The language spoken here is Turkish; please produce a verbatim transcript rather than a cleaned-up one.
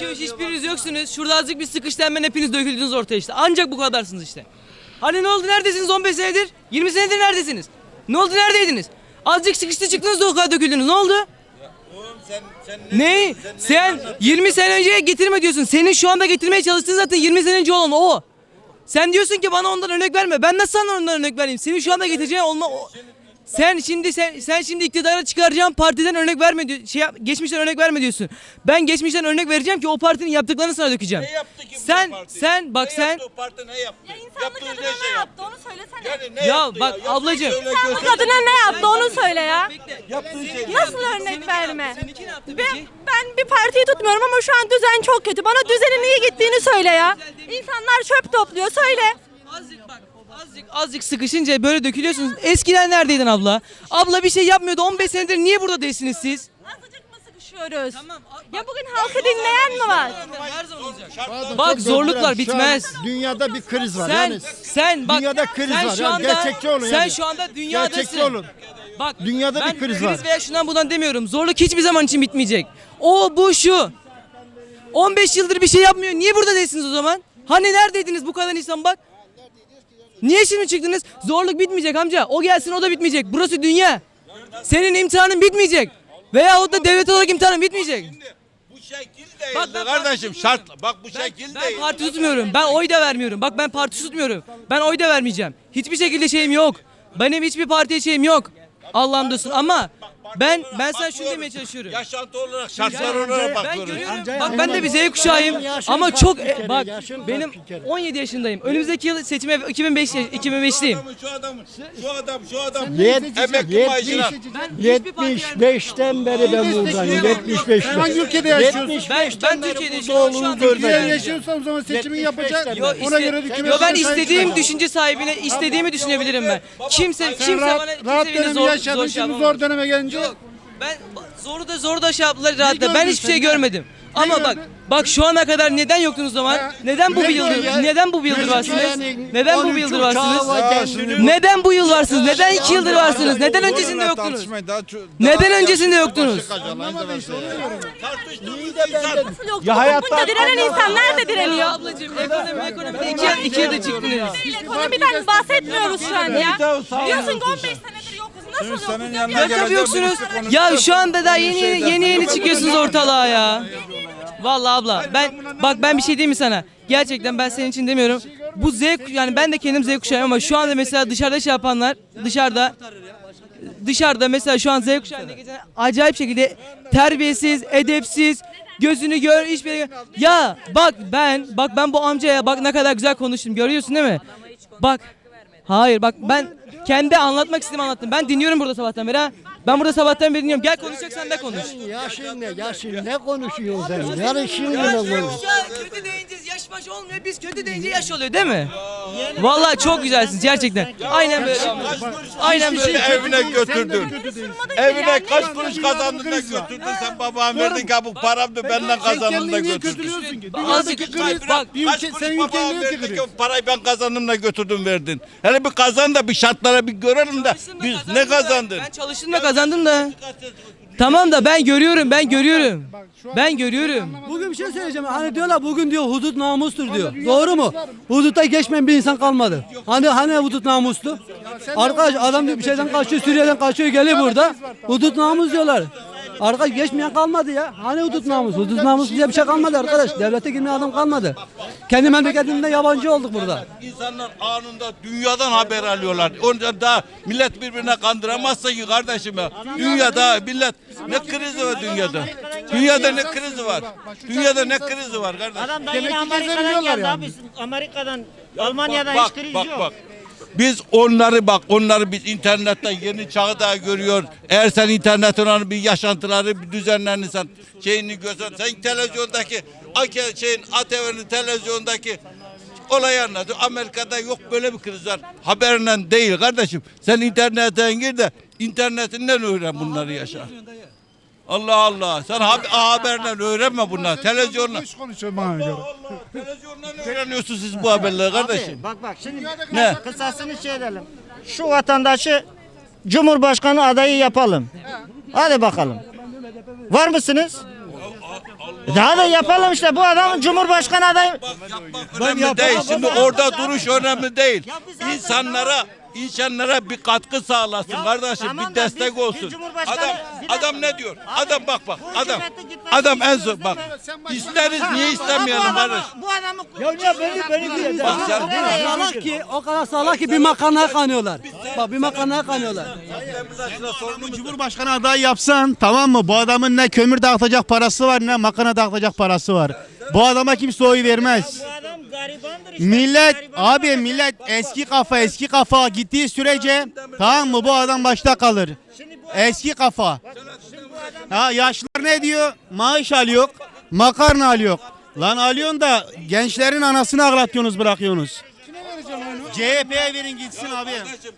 İki üç hiçbiriniz yoksunuz. Şurada azıcık bir sıkıştı hemen hepiniz döküldünüz ortaya işte. Ancak bu kadarsınız işte. Hani ne oldu, neredesiniz on beş senedir? yirmi senedir neredesiniz? Ne oldu, neredeydiniz? Azıcık sıkıştı çıktınız da o kadar döküldünüz. Ne oldu? Sen, sen Ne? Sen yirmi sene önceye getirme diyorsun. Senin şu anda getirmeye çalıştığın zaten yirmi sene önce olan o. Sen diyorsun ki bana ondan örnek verme. Ben nasıl sana ondan örnek vereyim? Senin şu anda getireceğin olma o. Sen şimdi sen, sen şimdi iktidara çıkaracağın partiden örnek verme diyor. Şey yap- geçmişten örnek verme diyorsun. Ben geçmişten örnek vereceğim ki o partinin yaptıklarını sana dökeceğim. Ne yaptı ki bu Sen parti? sen bak ne sen yaptı o parti, ne yaptı? Ya insanlık Yaptığı adına ne ne şey yaptı onu söylesene. Yani ne Ya yaptı bak Yaptığı ablacığım. söyle, İnsanlık göster. adına ne yaptı onu söyle ya. Yaptığı şey. Nasıl Seninki örnek ne verme? yaptı? Seninki ne yaptı Ben, peki? ben bir partiyi tutmuyorum ama şu an düzen çok kötü. Bana düzenin iyi gittiğini söyle ya. İnsanlar çöp topluyor söyle. Azıcık bak, azıcık azıcık sıkışınca böyle dökülüyorsunuz. Eskiden neredeydin abla? Abla bir şey yapmıyordu. on beş senedir niye burada değilsiniz siz? Azıcık mı sıkışıyoruz? Tamam. Ya bugün halkı dinleyen mi var? Her zaman olacak. Şartlar- Bak Çok zorluklar döndüren, şu an bitmez. Dünyada bir kriz var. Sen yani sen bak dünyada kriz sen var. şu Yani anda gerçekçi olun sen yani. şu anda dünyadasın. Gerçekçi olun. Bak Dünyada ben bir kriz var. veya şundan bundan demiyorum. Zorluk hiçbir zaman için bitmeyecek. O bu şu. on beş yıldır bir şey yapmıyor. Niye burada değilsiniz o zaman? Hani neredeydiniz bu kadar insan bak? Niye şimdi çıktınız? Zorluk bitmeyecek amca. O gelsin o da bitmeyecek. Burası dünya. Senin imtihanın bitmeyecek. Veya o da devlet olarak imtihanın bitmeyecek. Bu şekil değil Bak ben kardeşim, parti şart. Bak bu şekil Ben değil. parti tutmuyorum. Ben oy da vermiyorum. Bak ben parti tutmuyorum. Ben oy da vermeyeceğim. Hiçbir şekilde şeyim yok. Benim hiçbir partiye şeyim yok. Allah'ım dostum ama ben ben sana şunu demeye çalışıyorum. Yaşantı olarak, şartlar Ya, olarak ben bakıyoruz. görüyorum. Amca Bak ya, ben de bir Z kuşağıyım yaşın ama kaç çok bir e, kere, bak yaşın kaç benim bir kere? on yedi yaşındayım. Önümüzdeki yıl seçime iki bin beş iki bin beşliyim. Şu adamın, şu adam, şu adam. Yet- Emekli maaşına. yetmiş beşten beri ben buradayım. yetmiş beşten. Hangi ülkede yaşıyorsun? Ben ben Türkiye'de yaşıyorum. Şu anda Türkiye'de Türkiye'de yaşıyorsan o zaman seçimi yapacak. Yo, Ona iste, göre hükümet yo ben sahip istediğim çıkacak. düşünce sahibine istediğimi düşünebilirim ben. Kimse Sen kimse rahat, bana kimse rahat beni dönemi zor yaşadın, zor şey şimdi yapamaz. zor döneme gelince Yok. Ben zoru da zoru da şey yaptılar rahatla. Ben gördün hiçbir sen, şey ne? görmedim. Ama bak gördün? bak şu ana kadar neden yoktunuz o zaman? Ha. Neden bu Ne bir yıldır gördün? neden bu bir yıldır varsınız? Yani Neden bu on bir üç yıldır uçağı varsınız? var kendini- Neden bu yıl varsınız? Neden iki yıldır varsınız? Neden öncesinde yoktunuz? Neden öncesinde yoktunuz? anlamadı işte onu diyorum. Tartıştığımız insan. Nasıl yok? Ya Bunca direnen insan nerede direniyor? Ablacığım ekonomi ekonomide iki, yıl- iki yılda çıktınız. Değil, ekonomiden bahsetmiyoruz şu an ya. Diyorsun ki on beş senedir yokuz. Nasıl yokuz? Ya bir Ya tabii yoksunuz. Ya şu anda da yeni yeni yeni çıkıyorsunuz ortalığa ya. Vallahi abla ben bak ben bir şey diyeyim mi sana? Gerçekten ben senin için demiyorum. Bu Z yani ben de kendim Z kuşağıyım ama şu anda mesela dışarıda şey yapanlar dışarıda dışarıda mesela şu an Z kuşağında geçen acayip şekilde terbiyesiz, edepsiz, gözünü gör hiçbir yere- Ya bak ben bak ben bu amcaya bak ne kadar güzel konuştum görüyorsun değil mi? Bak hayır bak ben kendi anlatmak istediğimi anlattım. Ben dinliyorum burada sabahtan beri ha. Ben burada sabahtan beri dinliyorum. Gel konuşacaksan da konuş. Yaşın ne? Yaşın ne konuşuyorsun sen? Yarışın ne konuşuyorsun? Kötü deyince yaş baş olmuyor. Biz kötü deyince yaş oluyor değil mi? Vallahi çok güzelsiniz gerçekten. Aynen böyle. Aynen böyle. Evine götürdün. Sormadı ki Evine yani. kaç kuruş kazandın da götürdün. Sen babam verdin ki bu paramdı benden kazandın da Kendini niye götürdün. kötülüyorsun ki? Azıcık Dünyadaki kriz bak bir Kaç ülke, kuruş senin babam ülken niye verdi ki kötülüyor? o parayı ben kazandım da götürdüm verdin. Hele bir kazan da bir şartlara bir görelim de biz ne kazandın? Ben çalıştım da kazandım da. Tamam da ben görüyorum, ben görüyorum. Ben görüyorum. Bugün bir şey söyleyeceğim. Hani diyorlar bugün diyor hudut namustur diyor. Doğru mu? Hudutta geçmeyen bir insan kalmadı. Hani hani hudut namustu? Arkadaş adam diyor bir şeyden kaçıyor, Suriye'den kaçıyor geliyor burada. Hudut namus diyorlar. Arkadaş geçmeyen kalmadı ya. Hani hudut namus? Hudut namus diye bir şey kalmadı arkadaş. Devlete girmeyen adam kalmadı. Kendi memleketinde yabancı olduk burada. İnsanlar anında dünyadan haber alıyorlar. Ondan daha millet birbirine kandıramazsa ki kardeşim ya. Dünyada millet ne krizi var dünyada? Dünyada ne krizi var? Dünyada ne krizi var kardeşim? Adam da Demek yine ki Amerika'dan gezebiliyorlar geldi yani. abi. Amerika'dan, Almanya'dan bak, hiç kriz bak, yok. Bak. Biz onları bak onları biz internetten yeni çağda görüyor. Eğer sen internetin onun bir yaşantıları bir düzenlerini sen şeyini görsen sen televizyondaki Ake şeyin A T V'nin televizyondaki olayı anladın. Amerika'da yok böyle bir kriz var. Haberle değil kardeşim. Sen internetten gir de internetinden öğren bunları yaşa. Allah Allah. Sen haber, haberle öğrenme bunları. Televizyonla. Boş konuşuyor bana göre. Televizyondan öğreniyorsunuz siz bu haberleri kardeşim. Abi, bak bak şimdi Ne? kısasını şey edelim. Şu vatandaşı Cumhurbaşkanı adayı yapalım. Hadi bakalım. Var mısınız? Daha da yapalım işte bu adam Cumhurbaşkanı adayı. Yapmak önemli değil. Şimdi orada duruş önemli değil. İnsanlara insanlara bir katkı sağlasın kardeşim, tamam bir da destek biz- olsun. biz Cumhurbaşkanı- Adam bir dakika. adam ne diyor? Abi, Adam bak bak bu adam. hükümete gitmesi Adam en istiyoruz son bak. değil mi? İsteriz niye Ha, istemeyelim bu adamı- kardeş? Bu adamı Ya niye beni beni Bak sen- salak ki o kadar salak ki bir makarnaya kanıyorlar. Bak bir makarnaya kanıyorlar. Cumhurbaşkanı adayı yapsan tamam mı? Bu adamın ne kömür dağıtacak parası var ne makarna dağıtacak parası var. Bu adama kimse oy vermez. Bu adam garibandır işte. Millet Gariban abi adam. millet eski kafa eski kafa gittiği sürece tamam mı bu adam başta kalır. Eski kafa. Ha yaşlılar ne diyor? Maaş alıyor, makarna alıyor. Lan alıyorsun da gençlerin anasını ağlatıyorsunuz bırakıyorsunuz. C H P'ye verin gitsin abi. Kardeşim